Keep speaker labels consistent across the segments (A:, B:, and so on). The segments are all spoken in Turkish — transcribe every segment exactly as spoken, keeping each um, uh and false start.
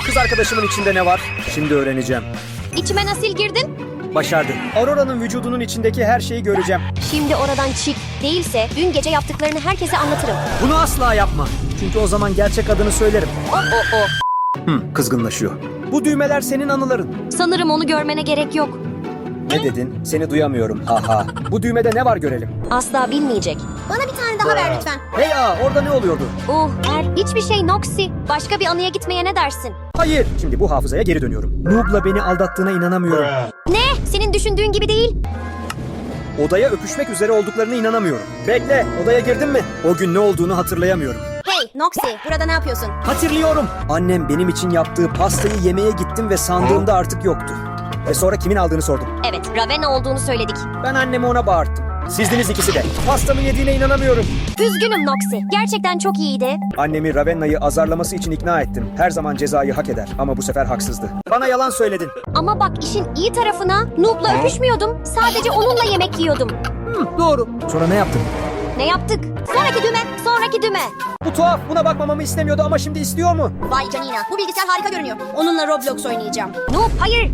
A: Kız arkadaşımın içinde ne var? Şimdi öğreneceğim.
B: İçime nasıl girdin?
A: Başardı. Aurora'nın vücudunun içindeki her şeyi göreceğim.
B: Şimdi oradan çık. Değilse dün gece yaptıklarını herkese anlatırım.
A: Bunu asla yapma. Çünkü o zaman gerçek adını söylerim.
B: O o o.
A: Hı, kızgınlaşıyor. Bu düğmeler senin anıların.
B: Sanırım onu görmene gerek yok.
A: Ne dedin? Seni duyamıyorum. Haha. Bu düğmede ne var görelim.
B: Asla bilmeyecek.
C: Bana bir tane daha ver lütfen.
A: Hey aa, orada ne oluyordu?
B: Uh, er, hiçbir şey Noxy. Başka bir anıya gitmeye ne dersin?
A: Hayır. Şimdi bu hafızaya geri dönüyorum. Noob'la beni aldattığına inanamıyorum.
B: Ne? Senin düşündüğün gibi değil.
A: Odaya öpüşmek üzere olduklarına inanamıyorum. Bekle, odaya girdin mi? O gün ne olduğunu hatırlayamıyorum.
C: Hey Noxy, burada ne yapıyorsun?
A: Hatırlıyorum. Annem benim için yaptığı pastayı yemeye gittim ve sandığımda artık yoktu. Ve sonra kimin aldığını sordum.
B: Evet, Ravenna olduğunu söyledik.
A: Ben annemi ona bağırttım. Sizdiniz ikisi de. Pastamı yediğine inanamıyorum.
B: Üzgünüm Noxy. Gerçekten çok iyiydi.
A: Annemi Ravenna'yı azarlaması için ikna ettim. Her zaman cezayı hak eder ama bu sefer haksızdı. Bana yalan söyledin.
B: Ama bak işin iyi tarafına Noob'la öpüşmüyordum. Sadece onunla yemek yiyordum.
A: Hı, doğru. Sonra ne yaptın?
B: Ne yaptık? Sonraki düğme, sonraki düğme.
A: Bu tuhaf. Buna bakmamamı istemiyordu ama şimdi istiyor mu?
C: Vay canina, bu bilgisayar harika görünüyor. Onunla Roblox oynayacağım.
B: Noob, hayır.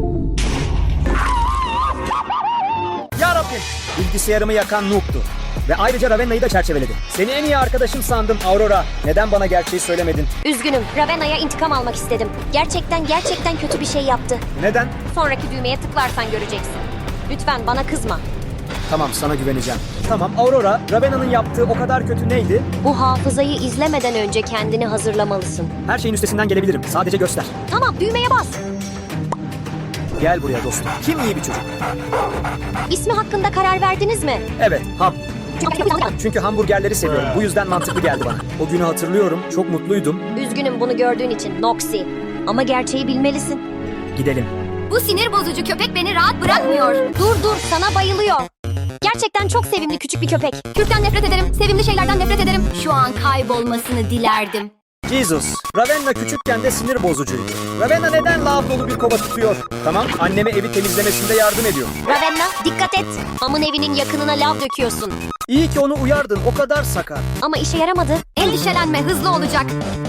A: Ya Rabbim. Bilgisayarımı yakan Noob'tu. Ve ayrıca Ravenna'yı da çerçeveledi. Seni en iyi arkadaşım sandım Aurora. Neden bana gerçeği söylemedin?
B: Üzgünüm, Ravenna'ya intikam almak istedim. Gerçekten gerçekten kötü bir şey yaptı.
A: Neden?
B: Sonraki düğmeye tıklarsan göreceksin. Lütfen bana kızma.
A: Tamam, sana güveneceğim. Tamam Aurora, Ravenna'nın yaptığı o kadar kötü neydi?
B: Bu hafızayı izlemeden önce kendini hazırlamalısın.
A: Her şeyin üstesinden gelebilirim. Sadece göster.
B: Tamam, düğmeye bas.
A: Gel buraya dostum. Kim iyi bir çocuk?
B: İsmi hakkında karar verdiniz mi?
A: Evet, Ham. Çünkü hamburgerleri seviyorum. Bu yüzden mantıklı geldi bana. O günü hatırlıyorum. Çok mutluydum.
B: Üzgünüm bunu gördüğün için Noxy. Ama gerçeği bilmelisin.
A: Gidelim.
C: Bu sinir bozucu köpek beni rahat bırakmıyor.
B: Dur dur, sana bayılıyor. Gerçekten çok sevimli küçük bir köpek.
C: Kürkten nefret ederim, sevimli şeylerden nefret ederim. Şu an kaybolmasını dilerdim.
A: Jesus. Ravenna küçükken de sinir bozucuydu. Ravenna neden lav dolu bir kova tutuyor? Tamam, anneme evi temizlemesinde yardım ediyor.
B: Ravenna, dikkat et. Amın evinin yakınına lav döküyorsun.
A: İyi ki onu uyardın. O kadar sakar.
B: Ama işe yaramadı.
C: Endişelenme, hızlı olacak.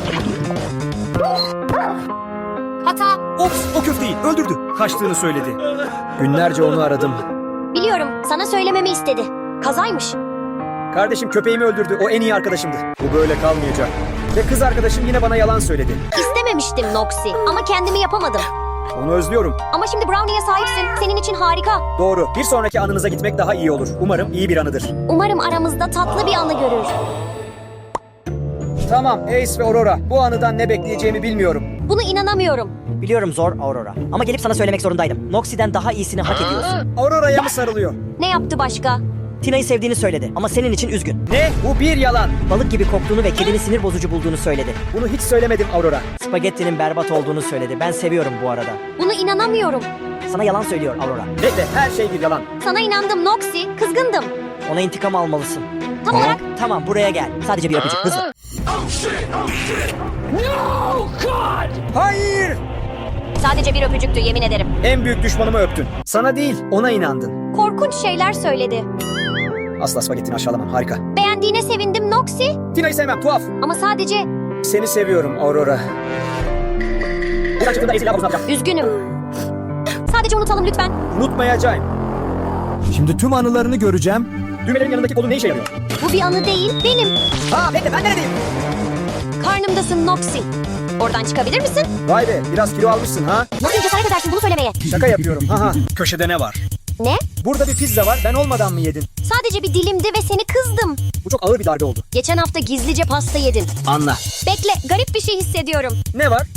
C: Hata.
A: Ops, o köfteyi öldürdü. Kaçtığını söyledi. Günlerce onu aradım.
B: Biliyorum, sana söylememi istedi. Kazaymış.
A: Kardeşim köpeğimi öldürdü. O en iyi arkadaşımdı. Bu böyle kalmayacak. Ve kız arkadaşım yine bana yalan söyledi.
B: İstememiştim Noxy ama kendimi yapamadım.
A: Onu özlüyorum.
B: Ama şimdi Brownie'ye sahipsin. Senin için harika.
A: Doğru. Bir sonraki anınıza gitmek daha iyi olur. Umarım iyi bir anıdır.
B: Umarım aramızda tatlı bir anı görür.
A: Tamam Ace ve Aurora. Bu anıdan ne bekleyeceğimi bilmiyorum.
B: Buna inanamıyorum.
D: Biliyorum zor Aurora. Ama gelip sana söylemek zorundaydım. Noxy'den daha iyisini hak ediyorsun.
A: Aurora'ya mı sarılıyor?
B: Ne yaptı başka?
D: Tina'yı sevdiğini söyledi ama senin için üzgün.
A: Ne? Bu bir yalan.
D: Balık gibi koktuğunu ve kedini sinir bozucu bulduğunu söyledi.
A: Bunu hiç söylemedim Aurora.
D: Spagettinin berbat olduğunu söyledi. Ben seviyorum bu arada.
B: Buna inanamıyorum.
D: Sana yalan söylüyor Aurora.
A: Bekle, her şey bir yalan.
B: Sana inandım Noxy. Kızgındım.
D: Ona intikam almalısın.
B: Tam olarak
D: Tamam buraya gel. Sadece bir öpücük hızlı.
A: Hayır!
B: sadece bir öpücüktü yemin ederim.
A: En büyük düşmanımı öptün. Sana değil, ona inandın.
B: Korkunç şeyler söyledi.
A: Asla spagettini aşağılamam, harika.
B: Beğendiğine sevindim Noxy.
A: Tina'yı sevmem, tuhaf.
B: Ama sadece
A: Seni seviyorum Aurora. Buradan çıktığında Ace'yle havuzuna atacağım.
B: üzgünüm. Sadece unutalım lütfen.
A: Unutmayacağım. Şimdi tüm anılarını göreceğim. Düğmelerin yanındaki kolun ne işe yarıyor?
B: Bu bir anı değil, benim.
A: Ha bekle, ben neredeyim?
B: Karnımdasın Noxy. Oradan çıkabilir misin?
A: Vay be, biraz kilo almışsın ha?
B: Nasıl cesaret edersin bunu söylemeye?
A: Şaka yapıyorum, haha. Köşede ne var?
B: Ne?
A: Burada bir pizza var, ben olmadan mı yedin?
B: Sadece bir dilimdi ve seni kızdım.
A: Bu çok ağır bir darbe oldu.
B: Geçen hafta gizlice pasta yedin.
A: Anla.
B: Bekle, garip bir şey hissediyorum.
A: Ne var?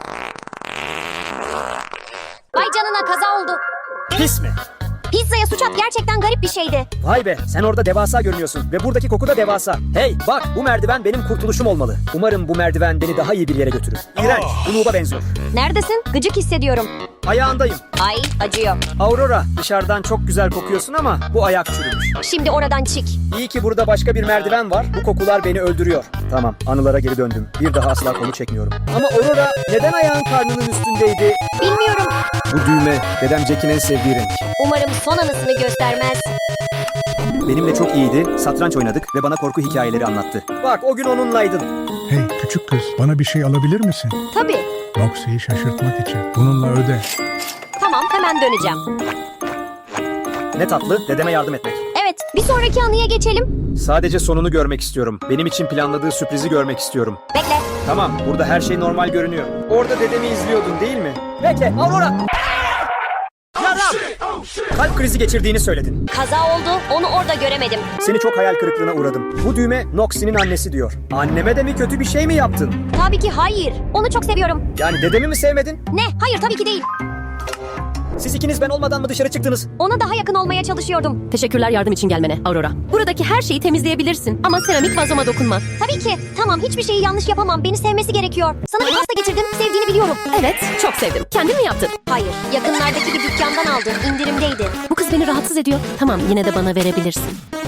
B: Vay canına, kaza oldu.
A: Pis mi?
B: Pizzaya suç at, gerçekten garip bir şeydi.
A: Vay be, sen orada devasa görünüyorsun ve buradaki koku da devasa. Hey bak, bu merdiven benim kurtuluşum olmalı. Umarım bu merdiven beni daha iyi bir yere götürür. İğrenç, bu Noob'a benziyor.
B: Neredesin? Gıcık hissediyorum.
A: Ayağındayım.
B: Ay, acıyor.
A: Aurora, dışarıdan çok güzel kokuyorsun ama bu ayak çürümüş.
B: Şimdi oradan çık.
A: İyi ki burada başka bir merdiven var. Bu kokular beni öldürüyor. Tamam, anılara geri döndüm. Bir daha asla konu çekmiyorum. Ama Aurora, neden ayağın karnının üstündeydi?
B: Bilmiyorum.
A: Bu düğme, dedem Jack'in en sevdiği renk.
B: Umarım son anısını göstermez.
A: Benimle çok iyiydi, satranç oynadık ve bana korku hikayeleri anlattı. Bak, o gün onunlaydın.
E: Hey küçük kız, bana bir şey alabilir misin?
B: Tabii.
E: Noxie'yi şaşırtmak için. Bununla öde.
B: Tamam, hemen döneceğim.
A: Ne tatlı, dedeme yardım etmek.
B: Evet, bir sonraki anıya geçelim.
A: Sadece sonunu görmek istiyorum. Benim için planladığı sürprizi görmek istiyorum.
B: Bekle.
A: Tamam, burada her şey normal görünüyor. Orada dedemi izliyordun değil mi? Bekle, Aurora! Yaram! Kalp krizi geçirdiğini söyledin.
B: Kaza oldu, onu orada göremedim.
A: Seni çok hayal kırıklığına uğradım. Bu düğme Noxie'nin annesi diyor. Anneme de mi kötü bir şey mi yaptın?
B: Tabii ki hayır. Onu çok seviyorum.
A: Yani dedemi mi sevmedin?
B: Ne? Hayır, tabii ki değil.
A: Siz ikiniz ben olmadan mı dışarı çıktınız?
B: Ona daha yakın olmaya çalışıyordum.
F: Teşekkürler yardım için gelmene Aurora. Buradaki her şeyi temizleyebilirsin ama seramik vazoma dokunma.
B: Tabii ki. Tamam, hiçbir şeyi yanlış yapamam. Beni sevmesi gerekiyor. Sana bir pasta getirdim. Sevdiğini biliyorum.
F: Evet, çok sevdim. Kendin mi yaptın?
B: Hayır, yakınlardaki bir dükkandan aldım. İndirimdeydi.
F: Bu kız beni rahatsız ediyor. Tamam, yine de bana verebilirsin.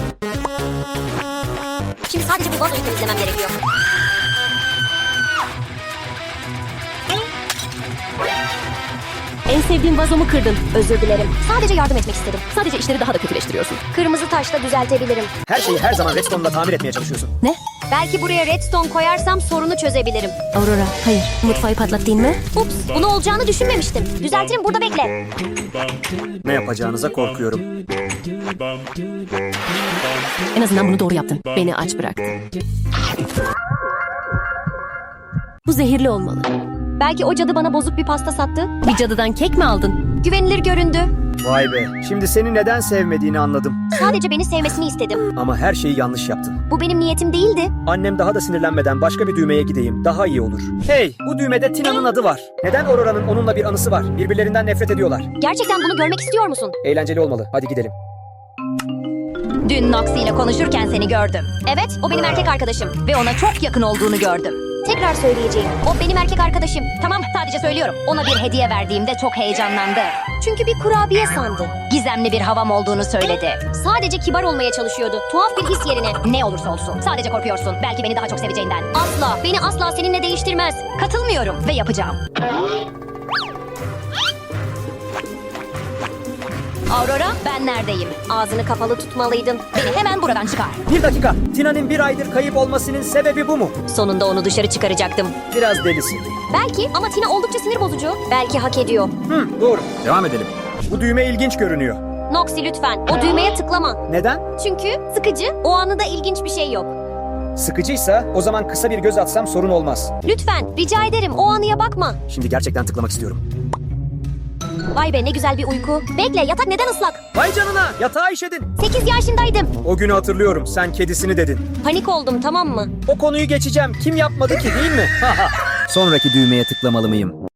B: Şimdi sadece bu vazoyu temizlemem gerekiyor.
F: En sevdiğim vazomu kırdın.
B: Özür dilerim. Sadece yardım etmek istedim.
F: Sadece işleri daha da kötüleştiriyorsun.
B: Kırmızı taşla düzeltebilirim.
A: Her şeyi her zaman redstone'la tamir etmeye çalışıyorsun.
F: Ne?
B: Belki buraya redstone koyarsam sorunu çözebilirim.
F: Aurora, hayır. Mutfağı patlattın mı?
B: Ups, bunu olacağını düşünmemiştim. Düzeltirim, burada bekle.
A: Ne yapacağınıza korkuyorum.
F: En azından bunu doğru yaptın. Beni aç bıraktın. Bu zehirli olmalı.
B: Belki o cadı bana bozuk bir pasta sattı.
F: Bir cadıdan kek mi aldın?
B: Güvenilir göründü.
A: Vay be, şimdi seni neden sevmediğini anladım.
B: Sadece beni sevmesini istedim.
A: Ama her şeyi yanlış yaptın.
B: Bu benim niyetim değildi.
A: Annem daha da sinirlenmeden başka bir düğmeye gideyim. Daha iyi olur. Hey, bu düğmede Tina'nın adı var. Neden Aurora'nın onunla bir anısı var? Birbirlerinden nefret ediyorlar.
B: Gerçekten bunu görmek istiyor musun?
A: Eğlenceli olmalı. Hadi gidelim.
B: Dün Noxie ile konuşurken seni gördüm. Evet, o benim erkek arkadaşım. Ve ona çok yakın olduğunu gördüm. Tekrar söyleyeceğim. O benim erkek arkadaşım. Tamam, sadece söylüyorum. Ona bir hediye verdiğimde çok heyecanlandı. Çünkü bir kurabiye sandı. Gizemli bir havam olduğunu söyledi. Sadece kibar olmaya çalışıyordu. Tuhaf bir his yerine. Ne olursa olsun. Sadece korkuyorsun. Belki beni daha çok seveceğinden. Asla. Beni asla seninle değiştirmez. Katılmıyorum ve yapacağım. Aurora, ben neredeyim? Ağzını kapalı tutmalıydın. Beni hemen buradan çıkar.
A: Bir dakika. Tina'nın bir aydır kayıp olmasının sebebi bu mu?
B: Sonunda onu dışarı çıkaracaktım.
A: Biraz delisin.
B: Belki ama Tina oldukça sinir bozucu. Belki hak ediyor.
A: Hı, doğru. Devam edelim. Bu düğme ilginç görünüyor.
B: Noxie lütfen o düğmeye tıklama.
A: Neden?
B: Çünkü sıkıcı, o anında ilginç bir şey yok.
A: Sıkıcıysa o zaman kısa bir göz atsam sorun olmaz.
B: Lütfen, rica ederim o anıya bakma.
A: Şimdi gerçekten tıklamak istiyorum.
B: Vay be ne güzel bir uyku. Bekle, yatak neden ıslak?
A: Vay canına, yatağa işedin.
B: sekiz yaşındaydım.
A: O günü hatırlıyorum. Sen kedisini dedin.
B: Panik oldum, tamam mı?
A: O konuyu geçeceğim. Kim yapmadı ki değil mi? Sonraki düğmeye tıklamalı mıyım?